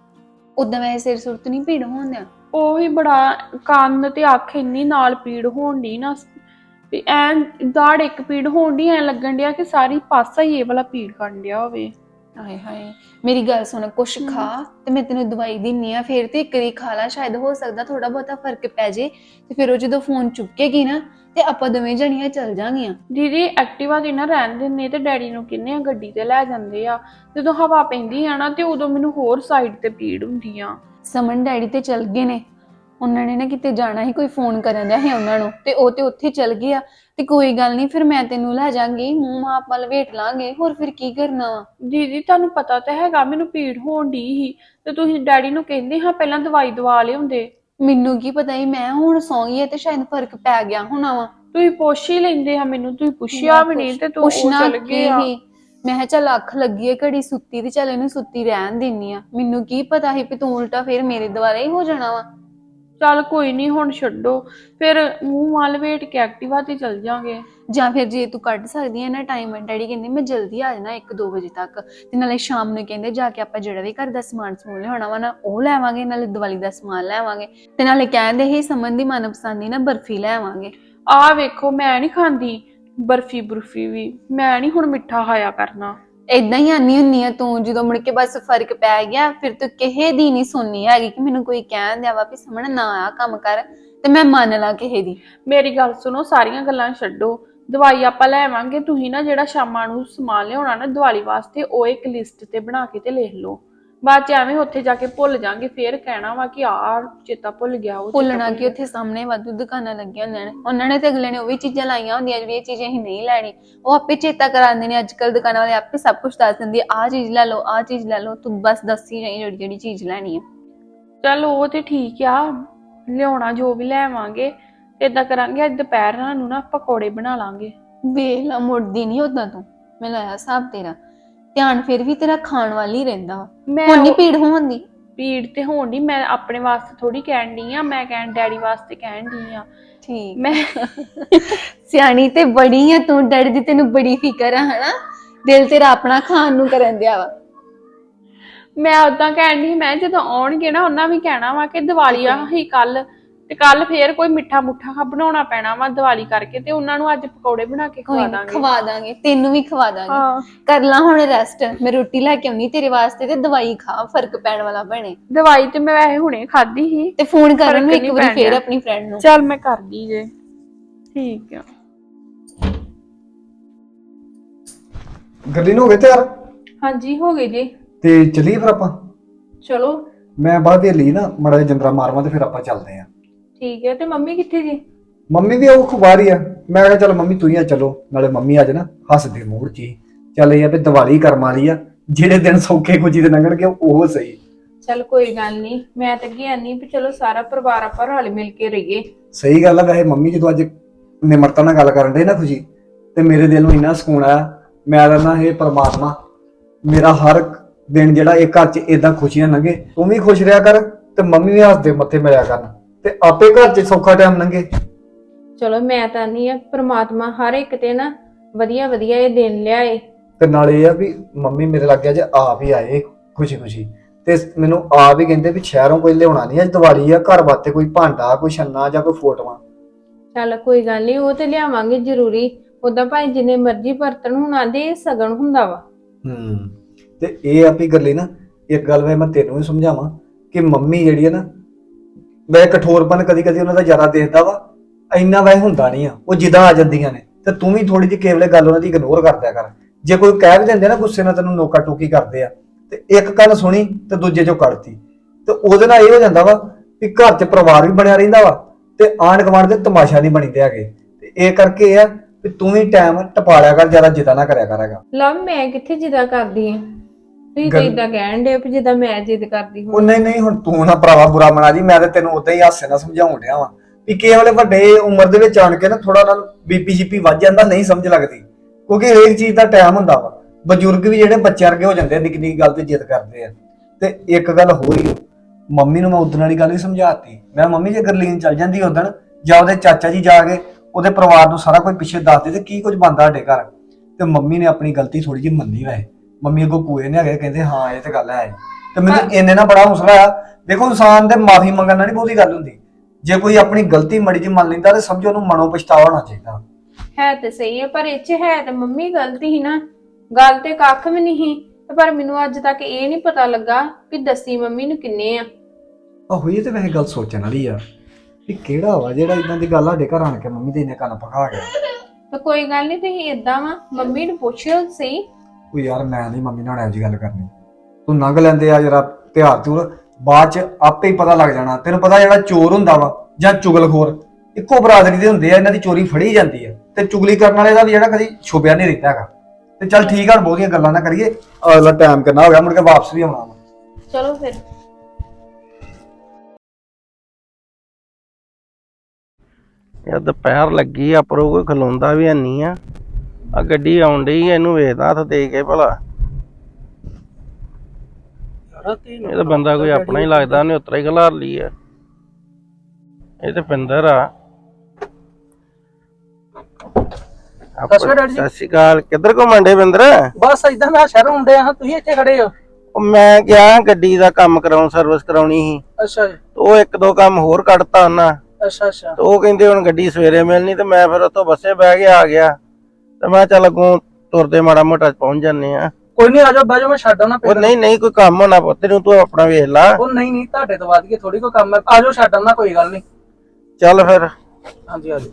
[SPEAKER 4] ਉਦਾਂ ਵੈਸੇ ਸਿਰ ਸੁਰਤ ਨਹੀਂ ਪੀੜ ਹੋਣ ਆ।
[SPEAKER 1] ਉਹ ਵੀ ਬੜਾ ਕੰਨ ਤੇ ਅੱਖ ਇੰਨੀ ਨਾਲ ਪੀੜ ਹੋਣ ਦੀ ਨਾ, ਵੀ ਐ ਦਾੜ ਇੱਕ ਪੀੜ ਹੋਣ ਦੀ, ਐ ਲੱਗਣ ਡਿਆ ਕਿ ਸਾਰੀ ਪਾਸਾ ਹੀ ਇਹ ਵਾਲਾ ਪੀੜ ਕਰਨ ਡਿਆ ਹੋਵੇ।
[SPEAKER 4] ਹਾਏ ਹਾਏ, ਮੇਰੀ ਗੱਲ ਸੁਣ, ਕੁਛ ਖਾ ਤੇ ਮੈਂ ਤੈਨੂੰ ਦਵਾਈ ਦਿੰਨੀ ਆ, ਫਿਰ ਤੇ ਇੱਕ ਵਾਰੀ ਖਾ ਲਾ, ਸ਼ਾਇਦ ਹੋ ਸਕਦਾ ਥੋੜਾ ਬਹੁਤਾ ਫਰਕ ਪੈ ਜੇ। ਤੇ ਫਿਰ ਉਹ ਜਦੋਂ ਫੋਨ ਚੁੱਕੇਗੀ ਨਾ ਤੇ ਆਪਾਂ ਦੋਵੇਂ ਜਣੀਆਂ ਚੱਲ ਜਾਾਂਗੀਆਂ।
[SPEAKER 1] ਦੀਦੀ ਐਕਟਿਵਾ ਤੇ ਨਾ ਰਹਿਣ ਦਿੰਦੇ ਤੇ ਡੈਡੀ ਨੂੰ ਕਹਿੰਦੇ ਆ ਗੱਡੀ ਤੇ ਲੈ ਜਾਂਦੇ ਆ, ਜਦੋਂ ਹਵਾ ਪੈਂਦੀ ਆ ਨਾ ਤੇ ਉਦੋਂ ਮੈਨੂੰ ਹੋਰ ਸਾਈਡ ਤੇ ਪੀੜ ਹੁੰਦੀ ਆ।
[SPEAKER 4] ਸਮਨ ਡੈਡੀ ਤੇ ਚਲ ਗਏ ਨੇ, ਉਹਨਾਂ ਨੇ ਨਾ ਕਿਤੇ ਜਾਣਾ ਸੀ, ਕੋਈ ਫੋਨ ਕਰਨ ਦਿਆ ਸੀ ਉਹਨਾਂ ਨੂੰ, ਤੇ ਉਹ ਤੇ ਉੱਥੇ ਚਲ ਗਏ ਆ। ਤੇ ਕੋਈ ਗੱਲ ਨਹੀਂ, ਫਿਰ ਮੈਂ ਤੈਨੂੰ ਲੈ ਜਾਾਂਗੀ, ਮੂੰਹ ਮਾਪ ਵੱਲ ਵੇਟ ਲਾਂਗੇ, ਹੋਰ ਫਿਰ ਕੀ ਕਰਨਾ ਵਾ।
[SPEAKER 1] ਦੀਦੀ ਤੁਹਾਨੂੰ ਪਤਾ ਤਾਂ ਹੈਗਾ ਮੈਨੂੰ ਪੀੜ ਹੋਣ ਦੀ ਹੀ, ਤੇ ਤੁਸੀਂ ਡੈਡੀ ਨੂੰ ਕਹਿੰਦੇ ਹਾਂ ਪਹਿਲਾਂ ਦਵਾਈ ਦਵਾ ਲਿਆਉਂਦੇ।
[SPEAKER 4] ਮੈਨੂੰ ਕੀ ਪਤਾ ਹੀ, ਮੈਂ ਹੁਣ ਸੌਂ ਗਈ ਆ ਤੇ ਸ਼ਾਇਦ ਫਰਕ ਪੈ ਗਿਆ ਹੋਣਾ ਵਾ।
[SPEAKER 1] ਤੁਸੀਂ ਪੁੱਛ ਹੀ ਲੈਂਦੇ ਆ ਮੈਨੂੰ, ਤੁਸੀਂ ਪੁੱਛਿਆ ਵੀ ਨਹੀਂ ਤੇ ਤੂੰ ਉਹ ਚਲ ਗਏ ਆ।
[SPEAKER 4] ਮੈਂ ਕਿਹਾ ਚੱਲ ਅੱਖ ਲੱਗੀ ਹੈ ਘੜੀ ਸੁੱਤੀ, ਤੇ ਚੱਲ ਇਹਨੂੰ ਸੁੱਤੀ ਰਹਿਣ ਦਿੰਨੀ ਆ। ਮੈਨੂੰ ਕੀ ਪਤਾ ਸੀ ਵੀ ਤੂੰ ਉਲਟਾ ਫਿਰ ਮੇਰੇ ਦੁਆਰਾ ਹੀ ਹੋ ਜਾਣਾ ਵਾ।
[SPEAKER 1] ਚੱਲ ਕੋਈ ਨਹੀਂ, ਹੁਣ ਛੱਡੋ, ਫਿਰ ਮੂੰਹ ਵੱਲ ਵੇਟ ਕੇ ਐਕਟਿਵਾ ਤੇ ਚੱਲ ਜਾਾਂਗੇ।
[SPEAKER 4] ਜਾਂ ਫਿਰ ਜੇ ਤੂੰ ਕੱਢ ਸਕਦੀ ਹੈ ਨਾ ਟਾਈਮ, ਡੈਡੀ ਕਹਿੰਦੇ ਮੈਂ ਜਲਦੀ ਆ ਜਾਣਾ ਇੱਕ ਦੋ ਵਜੇ ਤੱਕ, ਤੇ ਨਾਲੇ ਸ਼ਾਮ ਨੂੰ ਕਹਿੰਦੇ ਜਾ ਕੇ ਆਪਾਂ ਜਿਹੜਾ ਵੀ ਘਰ ਦਾ ਸਮਾਨ ਸਮੂਨ ਲਿਆਉਣਾ ਵਾ ਨਾ ਉਹ ਲੈਵਾਂਗੇ, ਨਾਲੇ ਦੀਵਾਲੀ ਦਾ ਸਮਾਨ ਲੈਵਾਂਗੇ, ਤੇ ਨਾਲੇ ਕਹਿੰਦੇ ਹੀ ਸਮਨ ਦੀ ਮਨਪਸੰਦ ਨਾ ਬਰਫੀ ਲੈਵਾਂਗੇ।
[SPEAKER 1] ਆਹ ਵੇਖੋ ਮੈਂ ਨਹੀਂ ਖਾਂਦੀ ਬਰਫੀ ਬਰਫੀ ਵੀ, ਮੈਂ ਨਹੀਂ ਹੁਣ ਮਿੱਠਾ ਖਾਇਆ ਕਰਨਾ।
[SPEAKER 4] ਏਦਾਂ ਹੀ ਆਨੀ ਹੁੰਨੀ ਆ ਤੂੰ, ਜਦੋਂ ਮੁੜ ਕੇ ਬਸ ਫਰਕ ਪੈ ਗਿਆ ਫਿਰ ਤੂੰ ਕਿਸੇ ਦੀ ਨਹੀਂ ਸੁਣਨੀ ਹੈਗੀ ਕਿ ਮੈਨੂੰ ਕੋਈ ਕਹਿਣ ਦਿਆ ਵਾ ਵੀ ਸਮਣ ਨਾ ਆ ਕੰਮ ਕਰ ਤੇ ਮੈਂ ਮੰਨ ਲਾ ਕਿਸੇ ਦੀ।
[SPEAKER 1] ਮੇਰੀ ਗੱਲ ਸੁਣੋ, ਸਾਰੀਆਂ ਗੱਲਾਂ ਛੱਡੋ, ਦਵਾਈ ਆਪਾਂ ਲੈਵਾਂਗੇ। ਤੁਸੀਂ ਨਾ ਜਿਹੜਾ ਸ਼ਾਮਾਂ ਨੂੰ ਸਮਾਨ ਲਿਆਉਣਾ ਨਾ ਦੀਵਾਲੀ ਵਾਸਤੇ, ਉਹ ਇੱਕ ਲਿਸਟ ਤੇ ਬਣਾ ਕੇ ਤੇ ਲਿਖ ਲਓ, ਬਾਅਦ ਚ ਐਵੇਂ ਉੱਥੇ ਜਾ ਕੇ ਭੁੱਲ ਜਾਾਂਗੇ, ਫੇਰ ਕਹਿਣਾ ਵਾ ਕਿ ਆ ਚੇਤਾ ਭੁੱਲ ਗਿਆ। ਉਹ
[SPEAKER 4] ਭੁੱਲਣਾ ਕਿ ਉੱਥੇ ਸਾਹਮਣੇ ਵਾਧੂ ਦੁਕਾਨਾਂ ਲੱਗੀਆਂ ਹੁੰਦੀਆਂ ਨੇ, ਉਹਨਾਂ ਨੇ ਤੇ ਅਗਲੇ ਨੇ ਉਹ ਵੀ ਚੀਜ਼ਾਂ ਲਾਈਆਂ ਹੁੰਦੀਆਂ ਜਿਹੜੀ ਇਹ ਚੀਜ਼ਾਂ ਅਸੀਂ ਨਹੀਂ ਲੈਣੀ, ਉਹ ਆਪੇ ਚੇਤਾ ਕਰਾਉਂਦੇ ਨੇ। ਅੱਜ ਕੱਲ ਦੁਕਾਨਾਂ ਵਾਲੇ ਆਪੇ ਸਭ ਕੁਝ ਦੱਸ ਦਿੰਦੇ, ਆਹ ਚੀਜ਼ ਲੈ ਲਓ ਆਹ ਚੀਜ਼ ਲੈ ਲਓ, ਤੂੰ ਬਸ ਦੱਸੀ ਜਾਈਂ ਜਿਹੜੀ ਜਿਹੜੀ ਚੀਜ਼ ਲੈਣੀ ਆ।
[SPEAKER 1] ਚੱਲ ਉਹ ਤੇ ਠੀਕ ਆ, ਲਿਆਉਣਾ ਜੋ ਵੀ ਲੈਵਾਂਗੇ। ਏਦਾਂ ਕਰਾਂਗੇ, ਅੱਜ ਦੁਪਹਿਰ ਨੂੰ ਨਾ ਪਕੌੜੇ ਬਣਾ ਲਾਂਗੇ।
[SPEAKER 4] ਵੇਖ ਲਾ, ਮੁੜਦੀ ਨਹੀਂ ਓਦਾਂ ਤੂੰ, ਮੈਂ ਲਾਇਆ ਹਿਸਾਬ ਤੇਰਾ, ਧਿਆਨ ਫਿਰ ਵੀ ਤੇਰਾ ਖਾਣ ਵੱਲ ਹੀ ਰਹਿੰਦਾ ਵਾ।
[SPEAKER 1] ਮੈਂ
[SPEAKER 4] ਹੁਣ ਨੀ ਪੀੜ ਹੋਣ ਦੀ।
[SPEAKER 1] ਪੀੜ ਤੇ ਹੋਣ ਦੀ, ਮੈਂ ਆਪਣੇ ਵਾਸਤੇ ਥੋੜੀ ਕਹਿਣ ਡਈ ਆ, ਮੈਂ ਕਹਿਣ ਡੈਡੀ ਵਾਸਤੇ ਕਹਿਣ ਡਈ ਆ।
[SPEAKER 4] ਠੀਕ
[SPEAKER 1] ਮੈਂ
[SPEAKER 4] ਸਿਆਣੀ ਤੇ ਬੜੀ ਆ ਤੂੰ, ਡੈਡੀ ਦੀ ਤੈਨੂੰ ਬੜੀ ਫਿਕਰ ਆ ਹਨਾ, ਦਿਲ ਤੇਰਾ ਆਪਣਾ ਖਾਣ ਨੂੰ ਕਰਨ ਦਿਆ ਵਾ।
[SPEAKER 1] ਮੈਂ ਉਦਾਂ ਕਹਿਣ ਡਈ, ਮੈਂ ਜਦੋਂ ਆਉਣਗੇ ਨਾ ਉਹਨਾਂ ਵੀ ਕਹਿਣਾ ਵਾ ਕਿ ਦੀਵਾਲੀ ਆ ਹੀ ਕੱਲ, ਤੇ ਕੱਲ ਫੇਰ ਕੋਈ ਮਿੱਠਾ ਮੁੱਠਾ ਬਣਾਉਣਾ ਪੈਣਾ ਵਾ ਦੀਵਾਲੀ ਕਰਕੇ, ਤੇ ਉਹਨਾਂ ਨੂੰ ਅੱਜ ਪਕੌੜੇ ਬਣਾ ਕੇ
[SPEAKER 4] ਕੋਈ
[SPEAKER 1] ਖਵਾ
[SPEAKER 4] ਨੀ,
[SPEAKER 1] ਦਾਂਗੇ।
[SPEAKER 4] ਖਵਾ ਦਾਂਗੇ, ਤੈਨੂੰ ਵੀ ਖਵਾ ਦਾਂਗੇ।
[SPEAKER 1] ਹਾਂ
[SPEAKER 4] ਕਰ ਲਾ ਹੁਣ ਰੈਸਟ, ਮੈਂ ਰੋਟੀ ਲੈ ਕੇ ਆਉਣੀ ਤੇਰੇ ਵਾਸਤੇ, ਤੇ ਦਵਾਈ ਖਾ, ਫਰਕ ਪੈਣ ਵਾਲਾ ਬਣੇ।
[SPEAKER 1] ਦਵਾਈ ਤੇ ਮੈਂ ਵੈਸੇ ਹੁਣੇ ਖਾਧੀ ਸੀ।
[SPEAKER 4] ਤੇ ਫੋਨ ਕਰਨ ਨੂੰ
[SPEAKER 1] ਫਰਕ
[SPEAKER 4] ਇੱਕ
[SPEAKER 1] ਨਹੀਂ
[SPEAKER 4] ਵਾਰੀ
[SPEAKER 1] ਪੈਣ
[SPEAKER 4] ਫੇਰ
[SPEAKER 1] ਡਿਆ।
[SPEAKER 4] ਆਪਣੀ ਫਰੈਂਡ ਨੂੰ।
[SPEAKER 1] ਚੱਲ ਮੈਂ ਕਰਦੀ ਜੇ। ਠੀਕ ਆ।
[SPEAKER 3] ਗੱਡੀ ਨੂੰ ਹੋ ਗਏ ਤਿਆਰ
[SPEAKER 1] ਹਾਂਜੀ ਹੋ ਗਏ ਜੀ।
[SPEAKER 3] ਤੇ ਚੱਲੀਏ ਫਿਰ ਆਪਾਂ।
[SPEAKER 1] ਚਲੋ
[SPEAKER 3] ਮੈਂ ਬਾਅਦ ਦੇ ਲਈ ਨਾ ਮੜਾ ਜਿਹਾ ਜੰਦਰਾ ਮਾਰਵਾ ਤੇ ਫਿਰ ਆਪਾਂ ਚੱਲਦੇ ਆਂ।
[SPEAKER 1] ਠੀਕ ਹੈ। ਤੇ ਮੰਮੀ ਕਿੱਥੇ ਜੀ?
[SPEAKER 3] ਮੰਮੀ ਵੀ ਉਹ ਬਾਹਰ ਹੀ ਆ। ਮੈਂ ਕਿਹਾ ਚੱਲ ਮੰਮੀ ਤੂੰ ਹੀ ਆ ਚਲੋ, ਨਾਲੇ ਮੰਮੀ ਅੱਜ ਨਾ ਹੱਸਦੇ ਮੂਡ 'ਚ ਹੀ। ਚੱਲ ਇਹ ਆ ਵੀ ਦੀਵਾਲੀ ਕਰਮ ਵਾਲੀ ਆ, ਜਿਹੜੇ ਦਿਨ ਸੌਖੇ ਖੁਸ਼ੀ ਦੇ ਲੰਘਣਗੇ ਉਹ ਸਹੀ।
[SPEAKER 1] ਚੱਲ ਕੋਈ ਗੱਲ ਨਹੀਂ, ਮੈਂ ਤਾਂ ਅੱਗੇ ਆਨੀ ਵੀ ਚਲੋ ਸਾਰਾ ਪਰਿਵਾਰ ਆਪਾਂ ਰਲ ਮਿਲ ਕੇ ਰਹੀਏ।
[SPEAKER 3] ਸਹੀ ਗੱਲ ਆ। ਵੈਸੇ ਮੰਮੀ ਜਦੋਂ ਅੱਜ ਨਿਮਰਤਾ ਨਾਲ ਗੱਲ ਕਰਨ ਦੇ ਨਾ ਖੁਸ਼ੀ, ਤੇ ਮੇਰੇ ਦਿਲ ਨੂੰ ਇੰਨਾ ਸਕੂਨ ਆਇਆ। ਮੈਂ ਕਹਿੰਦਾ ਇਹ ਪਰਮਾਤਮਾ ਮੇਰਾ ਹਰ ਦਿਨ ਜਿਹੜਾ ਇਹ ਘਰ 'ਚ ਏਦਾਂ ਖੁਸ਼ੀਆਂ ਲੰਘੇ, ਤੂੰ ਵੀ ਖੁਸ਼ ਰਿਹਾ ਕਰ ਤੇ ਮੰਮੀ ਵੀ ਹੱਸਦੇ ਮੱਥੇ ਮਿਲਿਆ ਕਰਨ, ਤੇ ਆਪੇ ਘਰ 'ਚ ਸੌਖਾ ਟਾਈਮ ਲੰਘੇ।
[SPEAKER 1] ਚਲੋ ਮੈਂ ਤਾਂ ਨਹੀਂ ਆ ਪ੍ਰਮਾਤਮਾ ਹਰ ਇੱਕ ਤੇ ਨਾ ਵਧੀਆ ਵਧੀਆ ਇਹ ਦਿਨ ਲਿਆਏ।
[SPEAKER 3] ਤੇ ਨਾਲੇ ਇਹ ਆ ਵੀ ਮੰਮੀ ਮੇਰੇ ਲੱਗ ਗਿਆ ਜੇ ਆਪ ਹੀ ਆਏ ਖੁਸ਼ੀ ਖੁਸ਼ੀ, ਤੇ ਮੈਨੂੰ ਆਪ ਹੀ ਕਹਿੰਦੇ ਵੀ ਸ਼ਹਿਰੋਂ ਕੋਈ ਲਿਆਉਣਾ ਨਹੀਂ, ਅੱਜ ਦੀਵਾਲੀ ਆ, ਘਰ ਵਾਸਤੇ ਕੋਈ ਭਾਂਡਾ, ਕੋਈ ਛੰਨਾ ਜਾਂ ਕੋਈ ਫੋਟੋਆਂ।
[SPEAKER 1] ਚੱਲ ਕੋਈ ਗੱਲ ਨਹੀਂ, ਉਹ ਤੇ ਲਿਆਵਾਂਗੇ ਜ਼ਰੂਰੀ। ਉਦਾਂ ਭਾਈ ਜਿੰਨੇ ਮਰਜ਼ੀ ਬਰਤਨ ਹੁਣ ਆਂਦੇ ਇਹ ਸਗਨ ਹੁੰਦਾ ਵਾ।
[SPEAKER 3] ਹੂੰ ਤੇ ਇਹ ਆ ਵੀ ਗੱਲੇ ਨਾ ਇੱਕ ਗੱਲ ਵੇ ਮੈਂ ਤੈਨੂੰ ਵੀ ਸਮਝਾਵਾਂ ਕਿ ਮੰਮੀ ਜਿਹੜੀ ਹੈ ਨਾ, ਵੈ ਕਠੋਰਪਨ ਕਦੀ ਕਦੀ ਉਹਨਾਂ ਦਾ ਜ਼ਿਆਦਾ ਦੇਖਦਾ ਵਾ, ਇੰਨਾ ਵੈ ਹੁੰਦਾ ਨਹੀਂ ਆ, ਉਹ ਜਿੱਦਾਂ ਆ ਜਾਂਦੀਆਂ ਨੇ। ਤੇ ਤੂੰ ਵੀ ਥੋੜੀ ਜਿਹੀ ਕੇਵਲੇ ਗੱਲ ਉਹਨਾਂ ਦੀ ਇਗਨੋਰ ਕਰ ਦਿਆ ਕਰ। ਜੇ ਕੋਈ ਕਹਿ ਵੀ ਦਿੰਦੇ ਨਾ ਗੁੱਸੇ ਨਾਲ ਤੈਨੂੰ ਨੋਕਾ ਟੋਕੀ ਕਰਦੇ ਆ, ਤੇ ਇੱਕ ਗੱਲ ਸੁਣੀ ਤੇ ਦੂਜੇ ਚੋਂ ਕੱਢਤੀ, ਤੇ ਉਹਦੇ ਨਾਲ ਇਹ ਹੋ ਜਾਂਦਾ ਵਾ ਵੀ ਘਰ 'ਚ ਪਰਿਵਾਰ ਵੀ ਬਣਿਆ ਰਹਿੰਦਾ ਵਾ ਤੇ ਆਂਢ ਗੁਆਂਢ ਦੇ ਤਮਾਸ਼ਾ ਨਹੀਂ ਬਣੀਦੇ ਹੈਗੇ। ਤੇ ਇਹ ਕਰਕੇ ਇਹ ਆ ਵੀ ਤੂੰ ਵੀ ਟਾਈਮ ਟਪਾ ਲਿਆ ਕਰ, ਜ਼ਿਆਦਾ ਜਿੱਦਾਂ ਨਾ ਕਰਿਆ ਕਰਾਂਗਾ।
[SPEAKER 1] ਲਵ ਮੈਂ ਕਿੱਥੇ ਜਿੱਦਾਂ ਕਰਦੀ ਆ, ਤੁਸੀਂ ਤਾਂ
[SPEAKER 3] ਗੱਲ-
[SPEAKER 1] ਇਦਾਂ ਕਹਿਣ ਦੇ ਵੀ ਜਿੱਦਾਂ ਮੈਂ ਜਿੱਦ ਕਰਦੀ
[SPEAKER 3] ਉਹ
[SPEAKER 1] ਹਾਂ।
[SPEAKER 3] ਨਹੀਂ ਨਹੀਂ, ਹੁਣ ਤੂੰ ਨਾ ਭਰਾਵਾ ਬੁਰਾ ਮਨਾ ਜੀ, ਮੈਂ ਤੇ ਤੈਨੂੰ ਉਦਾਂ ਹੀ ਹਾਸੇ ਨਾਲ ਸਮਝਾਉਣ ਡਿਆ ਵਾਂ ਵੀ ਕਿਸੇ ਵੇਲੇ ਵੱਡੇ ਉਮਰ ਦੇ ਵਿੱਚ ਆਣ ਕੇ ਨਾ ਥੋੜਾ ਨਾਲ ਬੀਪੀ ਸ਼ੀਪੀ ਵੱਜ ਜਾਂਦਾ, ਨਹੀਂ ਸਮਝ ਲੱਗਦੀ, ਕਿਉਂਕਿ ਹਰੇਕ ਚੀਜ਼ ਦਾ ਟਾਈਮ ਹੁੰਦਾ ਵਾ। ਬਜ਼ੁਰਗ ਵੀ ਜਿਹੜੇ ਬੱਚਿਆਂ ਵਰਗੇ ਹੋ ਜਾਂਦੇ ਆ, ਨਿੱਕੀ ਨਿੱਕੀ ਗੱਲ ਤੇ ਜਿੱਦ ਕਰਦੇ ਆ। ਤੇ ਇੱਕ ਗੱਲ ਹੋਰ ਹੀ, ਮੰਮੀ ਨੂੰ ਮੈਂ ਉਦਣ ਵਾਲੀ ਗੱਲ ਵੀ ਸਮਝਾਤੀ। ਮੈਂ ਮੰਮੀ ਜੇ ਗਰਲੀਨ ਚੱਲ ਜਾਂਦੀ ਉਦਣ, ਜਾਂ ਉਹਦੇ ਚਾਚਾ ਜੀ ਜਾ ਕੇ ਉਹਦੇ ਪਰਿਵਾਰ ਨੂੰ ਸਾਰਾ ਕੁਝ ਪਿੱਛੇ ਦੱਸਦੇ ਤੇ ਕੀ ਕੁਝ ਬਣਦਾ ਸਾਡੇ ਘਰ। ਤੇ ਮੰਮੀ ਨੇ ਆਪਣੀ ਗਲਤੀ ਥੋੜੀ ਜਿਹੀ ਮੰਨੀ ਵੈਸੇ, ਮੰਮੀ ਅੱਗੋਂ ਪੂਏ ਨੇ ਹੈਗੇ, ਕਹਿੰਦੇ ਹਾਂ ਇਹ ਤੇ ਗੱਲ ਹੈ। ਤੇ ਮੈਨੂੰ ਇੰਨੇ ਨਾਲ ਬੜਾ ਹੌਸਲਾ ਆ। ਦੇਖੋ ਇਨਸਾਨ ਦੇ ਮਾਫੀ ਮੰਗਣ ਨਾਲ ਨਹੀਂ ਬਹੁਤੀ ਗੱਲ ਹੁੰਦੀ, ਜੇ ਕੋਈ ਆਪਣੀ ਗਲਤੀ ਮੜੀ ਜੀ ਮੰਨ ਲੈਂਦਾ ਤੇ ਸਮਝੋ ਉਹਨੂੰ ਮਨੋਂ ਪਛਤਾਵਾ ਹੋਣਾ ਚਾਹੀਦਾ।
[SPEAKER 1] ਹੈ ਤੇ ਸਹੀ ਹੈ, ਪਰ ਇਹ 'ਚ ਹੈ ਤੇ ਮੰਮੀ ਗਲਤੀ ਸੀ ਨਾ, ਗੱਲ ਤੇ ਕੱਖ ਵੀ ਨਹੀਂ ਸੀ। ਪਰ ਮੈਨੂੰ ਅੱਜ ਤੱਕ ਇਹ ਨਹੀਂ ਪਤਾ ਲੱਗਾ ਕਿ ਦੱਸੀ ਮੰਮੀ ਨੂੰ ਕਿੰਨੇ ਆ।
[SPEAKER 3] ਆਹੋ ਇਹ ਤੇ ਵੈਸੇ ਗੱਲ ਸੋਚਣ ਵਾਲੀ ਆ ਵੀ ਕਿਹੜਾ ਵਾ ਜਿਹੜਾ ਇਦਾਂ ਦੀ ਗੱਲ ਸਾਡੇ ਘਰ ਆਣ ਕੇ ਮੰਮੀ ਦੇ ਇੰਨੇ ਕੰਨ ਪਕਾ ਗਿਆ।
[SPEAKER 1] ਤਾਂ ਕੋਈ ਗੱਲ ਨਹੀਂ, ਤੁਸੀਂ ਏਦਾਂ ਵਾ ਮੰਮੀ ਨੂੰ ਪੁੱਛਿਓ ਸਹੀ।
[SPEAKER 3] ਉਹ ਯਾਰ ਮੈਂ ਨਹੀਂ ਮੰਮੀ ਨਾਲ ਇਹੋ ਜਿਹੀ ਗੱਲ ਕਰਨੀ, ਤੂੰ ਲੰਘ ਲੈਂਦੇ ਆ ਜਰਾ ਤਿਉਹਾਰ ਤੂਰ, ਬਾਅਦ ਚ ਆਪੇ ਹੀ ਪਤਾ ਲੱਗ ਜਾਣਾ। ਤੈਨੂੰ ਪਤਾ ਜਿਹੜਾ ਚੋਰ ਹੁੰਦਾ ਵਾ ਜਾਂ ਚੁਗਲਖੋਰ ਇੱਕੋ ਬਰਾਦਰੀ ਦੇ ਹੁੰਦੇ ਆ, ਇਹਨਾਂ ਦੀ ਚੋਰੀ ਫੜੀ ਜਾਂਦੀ ਆ, ਤੇ ਚੁਗਲੀ ਕਰਨ ਵਾਲੇ ਦਾ ਵੀ ਜਿਹੜਾ ਕਦੀ ਛੁਪਿਆ ਨਹੀਂ ਰਹਿੰਦਾ ਹੈਗਾ। ਤੇ ਚੱਲ ਠੀਕ ਆ, ਬਹੁਤੀਆਂ ਗੱਲਾਂ ਨਾ ਕਰੀਏ, ਅਗਲਾ ਟਾਈਮ ਕਿੰਨਾ ਹੋ ਗਿਆ, ਮੁੜ ਕੇ ਵਾਪਸ ਵੀ ਆਉਣਾ ਵਾ।
[SPEAKER 1] ਚਲੋ ਫਿਰ।
[SPEAKER 6] ਯਾਰ ਦੁਪਹਿਰ ਲੱਗੀ ਆ, ਪਰੋ ਕੋਈ ਖਲੋਂਦਾ ਵੀ ਨਹੀਂ ਆ। ਆ ਗੱਡੀ ਆਉਣ ਡਈ ਆ, ਇਹਨੂੰ ਵੇਖਦਾ ਹੱਥ ਦੇ ਕੇ ਭਲਾ। ਇਹ ਤਾਂ ਬੰਦਾ ਕੋਈ ਆਪਣਾ ਹੀ ਲੱਗਦਾ, ਉਹਨੇ ਉਤਰਾ ਹੀ ਖਲਾਰ ਲਈ ਆ। ਇਹ ਤੇ ਪਿੰਦਰ ਆ।
[SPEAKER 5] ਸਤਿ ਸ਼੍ਰੀ ਅਕਾਲ ਜੀ।
[SPEAKER 6] ਸਤਿ ਸ਼੍ਰੀ ਅਕਾਲ। ਕਿੱਧਰ ਘੁੰਮਣ ਡੇ ਪਿੰਦਰ?
[SPEAKER 5] ਬਸ ਇਦਾਂ ਮੈਂ ਸ਼ਹਿਰੋਂ ਆਉਂਦੇ ਆ, ਤੁਸੀਂ ਇੱਥੇ ਖੜੇ ਹੋ।
[SPEAKER 6] ਉਹ ਮੈਂ ਗਿਆ ਗੱਡੀ ਦਾ ਕੰਮ ਕਰਾਉਣ, ਸਰਵਿਸ ਕਰਾਉਣੀ ਸੀ।
[SPEAKER 5] ਅੱਛਾ ਜੀ।
[SPEAKER 6] ਉਹ ਇੱਕ ਦੋ ਕੰਮ ਹੋਰ ਕੱਢਤਾ ਉਹਨਾਂ।
[SPEAKER 5] ਅੱਛਾ ਅੱਛਾ।
[SPEAKER 6] ਤੇ ਉਹ ਕਹਿੰਦੇ ਹੁਣ ਗੱਡੀ ਸਵੇਰੇ ਮਿਲਣੀ, ਤੇ ਮੈਂ ਫਿਰ ਉੱਥੋਂ ਬੱਸੇ ਬਹਿ ਕੇ ਆ ਗਿਆ। ਤੇ ਮੈਂ ਚੱਲ ਅੱਗੋਂ ਤੁਰਦੇ ਮਾੜਾ ਮੋਟਾ ਪਹੁੰਚ ਜਾਂਦੇ ਆ।
[SPEAKER 5] ਕੋਈ ਨਹੀਂ, ਆਜੋ ਬਹਿ ਜਾਓ, ਮੈਂ ਛੱਡ ਆਉਣਾ।
[SPEAKER 6] ਉਹ ਨਹੀਂ ਨਹੀਂ, ਕੋਈ ਕੰਮ ਹੋਣਾ ਪੁੱਤ ਨੂੰ, ਤੂੰ ਆਪਣਾ ਵੇਖ ਲਾ।
[SPEAKER 5] ਉਹ ਨਹੀਂ ਨਹੀਂ, ਤੁਹਾਡੇ ਤੋਂ ਵੱਧ ਕੇ ਥੋੜੀ ਕੋਈ ਕੰਮ ਹੈ, ਆਜੋ ਛੱਡ ਆਉਣਾ, ਕੋਈ ਗੱਲ ਨਹੀਂ।
[SPEAKER 6] ਚੱਲ ਫਿਰ।
[SPEAKER 5] ਹਾਂਜੀ ਆਜੋ।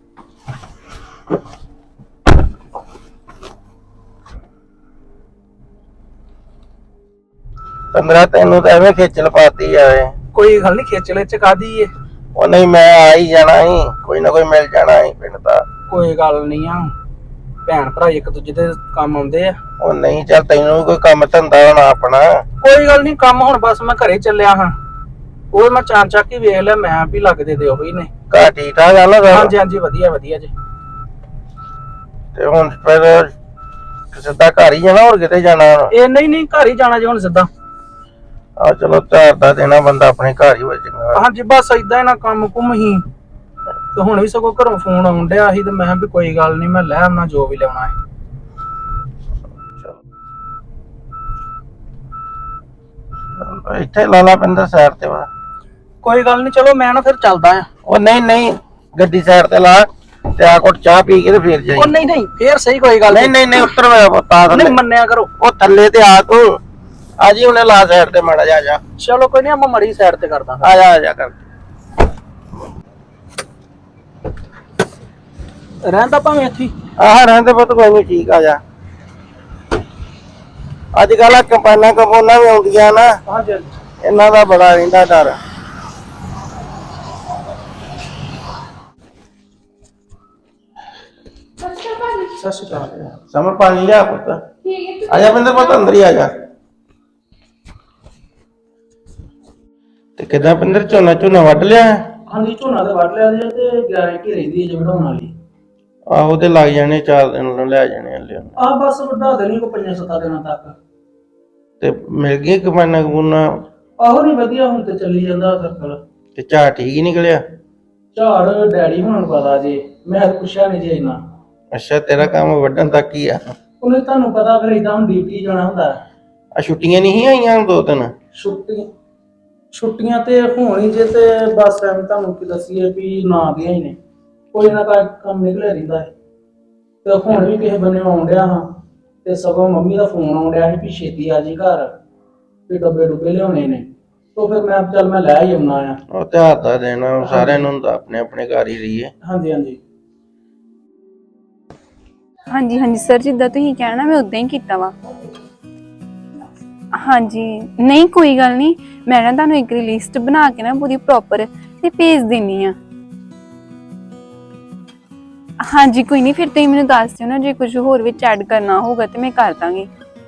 [SPEAKER 6] ਪੰਦਰਾਂ ਤੈਨੂੰ ਤਾਂ ਐਵੇਂ ਖੇਚਲ ਪਾਤੀ ਜਾਵੇ।
[SPEAKER 5] ਕੋਈ ਗੱਲ ਨਹੀਂ, ਖੇਚਲੇ ਚ ਕਾਦੀ ਏ।
[SPEAKER 6] ਉਹ ਨਹੀਂ, ਮੈਂ ਆ ਹੀ ਜਾਣਾ ਸੀ, ਕੋਈ ਨਾ ਕੋਈ ਮਿਲ ਜਾਣਾ ਸੀ ਪਿੰਡ ਦਾ।
[SPEAKER 5] ਕੋਈ ਗੱਲ ਨਹੀਂ ਆ, ਭੈਣ ਭਰਾ ਇੱਕ ਦੂਜੇ ਦੇ ਕੰਮ ਆਉਂਦੇ ਆ।
[SPEAKER 6] ਉਹ ਨਹੀਂ, ਚੱਲ ਤੈਨੂੰ ਵੀ ਕੋਈ ਕੰਮ ਧੰਦਾ ਹੋਣਾ ਆਪਣਾ।
[SPEAKER 5] ਕੋਈ ਗੱਲ ਨਹੀਂ, ਕੰਮ ਹੁਣ ਬਸ ਮੈਂ ਘਰੇ ਚੱਲਿਆ ਹਾਂ। ਉਹ ਮੈਂ ਚਾਂ ਚੱਕ ਹੀ ਵੇਖ ਲਿਆ, ਮੈਂ ਵੀ ਲੱਗਦੇ ਤੇ ਉਹੀ ਨੇ।
[SPEAKER 6] ਘਰ ਠੀਕ ਠਾਕ ਆ ਨਾ ਸਾਰਾ?
[SPEAKER 5] ਹਾਂਜੀ ਹਾਂਜੀ, ਵਧੀਆ ਵਧੀਆ ਜੀ।
[SPEAKER 6] ਤੇ ਹੁਣ ਫਿਰ ਸਿੱਧਾ ਘਰ ਹੀ ਜਾਣਾ, ਹੋਰ ਕਿਤੇ ਜਾਣਾ?
[SPEAKER 5] ਇਹ ਨਹੀਂ ਨਹੀਂ, ਘਰ ਹੀ ਜਾਣਾ ਜੀ ਹੁਣ ਸਿੱਧਾ।
[SPEAKER 6] ਆ ਚਲੋ, ਤਿਉਹਾਰ ਦਾ ਦੇਣਾ ਬੰਦਾ ਆਪਣੇ ਘਰ ਹੀ ਵਜੇਗਾ।
[SPEAKER 5] ਹਾਂਜੀ, ਬਸ ਏਦਾਂ ਹੀ ਨਾ ਕੰਮ ਕੁਮ ਹੀ। ਤੇ ਹੁਣ ਵੀ ਸਗੋਂ ਘਰੋਂ ਫੋਨ ਆਉਣ ਡਿਆ ਸੀ, ਤੇ ਮੈਂ ਕਿਹਾ ਵੀ ਕੋਈ ਗੱਲ ਨਹੀਂ, ਮੈਂ ਲੈ ਆਉਣਾ ਜੋ ਵੀ ਲਿਆਉਣਾ ਹੈ।
[SPEAKER 6] ਇੱਥੇ ਲਾਲਾ ਪਿੰਦਰ ਸਾਈਡ ਤੇ ਵਾ।
[SPEAKER 5] ਕੋਈ ਗੱਲ ਨਹੀਂ, ਚਲੋ ਮੈਂ ਨਾ ਫਿਰ ਚੱਲਦਾ ਆ।
[SPEAKER 6] ਉਹ ਨਹੀਂ ਨਹੀਂ, ਗੱਡੀ ਸਾਈਡ ਤੇ ਲਾ ਤੇ ਆ ਕੋਟ ਚਾਹ ਪੀ ਕੇ ਤੇ ਫੇਰ ਜਾਈ।
[SPEAKER 5] ਉਹ ਨਹੀਂ ਨਹੀਂ, ਫੇਰ ਸਹੀ, ਕੋਈ ਗੱਲ
[SPEAKER 6] ਨਹੀਂ ਨਹੀਂ ਨਹੀਂ, ਉੱਤਰ ਮੇਰਾ ਪੁੱਤਾ
[SPEAKER 5] ਨਹੀਂ, ਮੰਨਿਆ ਕਰੋ।
[SPEAKER 6] ਉਹ ਥੱਲੇ ਤੇ ਆ ਤੂੰ, ਆ ਜੀ ਉਹਨੇ ਲਾ ਸਾਈਡ ਤੇ ਮਾੜਾ ਜਾ ਜਾ।
[SPEAKER 5] ਚਲੋ ਕੋਈ ਨਹੀਂ, ਮੈਂ ਮੜੀ ਸਾਈਡ ਤੇ ਕਰਦਾ।
[SPEAKER 6] ਆ ਜਾ ਆ ਜਾ ਕਰ।
[SPEAKER 5] ਰਹਿੰਦਾ ਭਾਵੇਂ ਇੱਥੇ ਹੀ।
[SPEAKER 6] ਆਹ ਰਹਿੰਦੇ ਪੁੱਤ, ਕੋਈ ਨਹੀਂ, ਠੀਕ ਆ ਜਾ। ਅੱਜ ਕੱਲ ਕੰਪਾਈਨਾਂ ਕੰਪੋਨਾਂ ਵੀ ਆਉਂਦੀਆਂ ਨਾ,
[SPEAKER 5] ਹਾਂਜੀ
[SPEAKER 6] ਇਹਨਾਂ ਦਾ ਬੜਾ ਰਹਿੰਦਾ ਡਰ।
[SPEAKER 5] ਸਤਿ ਸ਼੍ਰੀ ਅਕਾਲ।
[SPEAKER 6] ਸਮਰ ਪਾਣੀ ਲਿਆ ਪੁੱਤ। ਆ ਜਾ ਬਿੰਦਰ ਪੁੱਤ, ਅੰਦਰ ਹੀ ਆ ਜਾ। ਤੇ ਕਿੱਦਾਂ ਪਿੰਦਰ, ਝੋਨਾ ਝੋਨਾ ਵੱਢ ਲਿਆ?
[SPEAKER 5] ਹਾਂਜੀ, ਝੋਨਾ ਤੇ ਵੱਢ ਲਿਆ ਜੀ ਤੇ ਗਾਰੰਟੀ ਰਹਿੰਦੀ ਹੈ ਜੇ ਵਢਾਉਣ ਵਾਲੀ।
[SPEAKER 6] ਆਹੋ ਤੇ ਲੱਗ ਜਾਣੇ, ਚਾਰ ਦਿਨ ਨੂੰ ਲੈ ਜਾਣੇ ਹਲੇ।
[SPEAKER 5] ਆਹ ਬਸ ਵਢਾ ਦੇਣੀ ਕੋ ਪੰਜਾਂ ਸੱਤਾਂ ਦਿਨਾਂ ਤੱਕ।
[SPEAKER 6] ਤੇ ਮਿਲ ਗਈ ਕੰਪਾਈਨਾਂ ਕੰਪੋਨਾਂ?
[SPEAKER 5] ਆਹੋ ਨਹੀਂ, ਵਧੀਆ ਹੁਣ ਤੇ ਚੱਲੀ ਜਾਂਦਾ ਸਰਕਲ।
[SPEAKER 6] ਤੇ ਝਾੜ ਠੀਕ ਹੀ ਨਿਕਲਿਆ?
[SPEAKER 5] ਝਾੜ ਡੈਡੀ ਹੁਣ ਨੂੰ ਪਤਾ ਜੇ, ਮੈਂ ਤਾਂ ਪੁੱਛਿਆ ਨਹੀਂ ਜੇ ਇੰਨਾ।
[SPEAKER 6] ਅੱਛਾ, ਤੇਰਾ ਕੰਮ ਵੱਢਣ ਤੱਕ ਹੀ ਆ?
[SPEAKER 5] ਉਹਨੇ ਤੁਹਾਨੂੰ ਪਤਾ ਫਿਰ ਇਦਾਂ ਹੁਣ ਡਿਊਟੀ ਜਾਣਾ ਹੁੰਦਾ।
[SPEAKER 6] ਆ ਛੁੱਟੀਆਂ ਨਹੀਂ ਆਈਆਂ ਦੋ ਤਿੰਨ?
[SPEAKER 5] ਛੁੱਟੀ ਛੁੱਟੀਆਂ ਤੇ ਹੋਣ ਹੀ ਜੇ, ਤੇ ਬਸ ਐਵੇਂ ਤੁਹਾਨੂੰ ਕੀ ਦੱਸੀਏ ਵੀ ਨਾ ਦੀਆਂ ਹੀ ਨੇ, ਕੋਈ ਨਾ ਕੋਈ ਕੰਮ ਨਿਕਲਿਆ ਰਹਿੰਦਾ ਹੈ। ਤੇ ਹੁਣ ਵੀ ਕਿਸੇ ਬੰਨੇ ਆਉਣ ਡਿਆ ਹਾਂ, ਤੇ ਸਗੋਂ ਮੰਮੀ ਦਾ ਫੋਨ ਆਉਣ ਡਿਆ ਸੀ ਵੀ ਛੇਤੀ ਆ ਜੀ ਘਰ, ਵੀ ਡੱਬੇ ਡੁੱਬੇ ਲਿਆਉਣੇ ਨੇ। ਤੋਂ ਫਿਰ ਮੈਂ ਚੱਲ ਮੈਂ ਲੈ ਹੀ ਆਉਣਾ ਆ।
[SPEAKER 6] ਉਹ ਤੇ ਹੱਥ ਦਾ ਦੇਣਾ ਸਾਰਿਆਂ ਨੂੰ ਹੁੰਦਾ, ਆਪਣੇ ਆਪਣੇ ਘਰ ਹੀ ਰਹੀਏ।
[SPEAKER 5] ਹਾਂਜੀ ਹਾਂਜੀ
[SPEAKER 4] ਹਾਂਜੀ ਹਾਂਜੀ ਸਰ, ਜਿੱਦਾਂ ਤੁਸੀਂ ਕਹਿਣਾ ਮੈਂ ਉਦਾਂ ਹੀ ਕੀਤਾ ਵਾ। ਹਾਂਜੀ ਨਹੀਂ ਕੋਈ ਗੱਲ ਨਹੀਂ, ਮੈਂ ਨਾ ਤੁਹਾਨੂੰ ਇੱਕ ਲਿਸਟ ਬਣਾ ਕੇ ਨਾ ਪੂਰੀ ਪ੍ਰੋਪਰ ਤੇ ਭੇਜ ਦੇਣੀ ਆ। ਹਾਂਜੀ ਕੋਈ ਨਹੀਂ, ਫਿਰ ਤੁਸੀਂ ਮੈਨੂੰ ਦੱਸ ਦਿਓ ਨਾ, ਜੇ ਕੁਝ ਹੋਰ ਵਿੱਚ ਐਡ ਕਰਨਾ ਹੋਊਗਾ ਤੇ ਮੈਂ ਕਰ ਦਾਂਗੀ।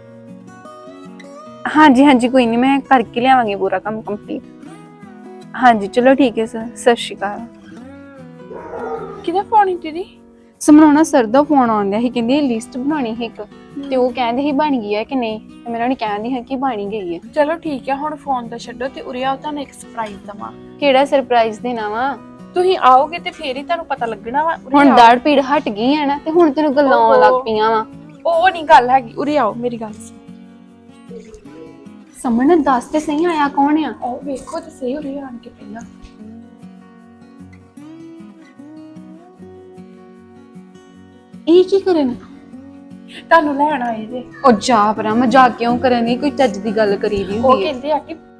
[SPEAKER 4] ਹਾਂਜੀ ਹਾਂਜੀ ਕੋਈ ਨਹੀਂ, ਮੈਂ ਕਰਕੇ ਲਿਆਵਾਂਗੀ ਪੂਰਾ ਕੰਮ ਕੰਪਲੀਟ। ਹਾਂਜੀ ਚਲੋ ਠੀਕ ਹੈ ਸਰ, ਸਤਿ ਸ਼੍ਰੀ ਅਕਾਲ।
[SPEAKER 1] ਕਿਹਦਾ ਫੋਨ ਹੈ ਦੀਦੀ?
[SPEAKER 4] ਸਮਰਾਉਣਾ ਸਰ ਦਾ ਫੋਨ ਆਉਂਦਾ ਸੀ, ਕਹਿੰਦੇ ਲਿਸਟ ਬਣਾਉਣੀ ਹੈ ਇੱਕ, ਤੇ ਉਹ ਕਹਿੰਦੇ ਸੀ ਬਣ ਗਈ ਹੈ ਕਿ ਨਹੀਂ, ਤੇ ਮੈਂ ਉਹਨਾਂ ਨੂੰ ਕਹਿੰਦੀ ਹਾਂ ਕਿ ਬਣ ਗਈ ਹੈ।
[SPEAKER 1] ਚਲੋ ਠੀਕ ਹੈ, ਹੁਣ ਫੋਨ ਤਾਂ ਛੱਡੋ ਤੇ ਉਰੇ ਆਓ, ਤੁਹਾਨੂੰ ਇੱਕ ਸਰਪ੍ਰਾਈਜ਼ ਦਵਾਂ।
[SPEAKER 4] ਕਿਹੜਾ ਸਰਪ੍ਰਾਈਜ਼ ਦੇਣਾ ਵਾ?
[SPEAKER 1] ਤੁਸੀਂ ਆਓਗੇ ਤੇ ਫੇਰ ਹੀ ਤੁਹਾਨੂੰ ਪਤਾ ਲੱਗਣਾ ਵਾ। ਉਰੇ
[SPEAKER 4] ਹੁਣ
[SPEAKER 1] ਆਓ।
[SPEAKER 4] ਦਾੜ ਪੀੜ ਹਟ ਗਈ ਹੈ ਨਾ, ਤੇ ਹੁਣ ਤੈਨੂੰ ਗੱਲਾਂ ਆਉਣ ਲੱਗ ਪਈਆਂ ਵਾ।
[SPEAKER 1] ਉਹ ਨਹੀਂ ਗੱਲ ਹੈਗੀ, ਉਰੇ ਆਓ, ਮੇਰੀ ਗੱਲ ਸੁਣੋ।
[SPEAKER 4] ਸਮਣ ਦੱਸ ਤੇ ਸਹੀ, ਆਇਆ ਕੌਣ ਆ?
[SPEAKER 1] ਉਹ ਵੇਖੋ ਤੇ ਸਹੀ, ਉਰੇ ਆਣ ਕੇ ਪਹਿਲਾਂ।
[SPEAKER 4] ਇਹ ਕੀ ਕਰਨ?
[SPEAKER 1] ਤੁਹਾਨੂੰ ਲੈਣ ਆਏ ਜੇ।
[SPEAKER 4] ਉਹ ਜਾ ਪਰਾਂ, ਮਜ਼ਾਕ ਕਿਉਂ ਕਰਨ ਦੀ, ਕੋਈ ਚੱਜ ਦੀ ਗੱਲ ਕਰੀ ਦੀ
[SPEAKER 1] ਉਹ
[SPEAKER 4] ਹੁੰਦੀ ਹੈ।
[SPEAKER 1] ਕਹਿੰਦੇ ਆ ਕਿ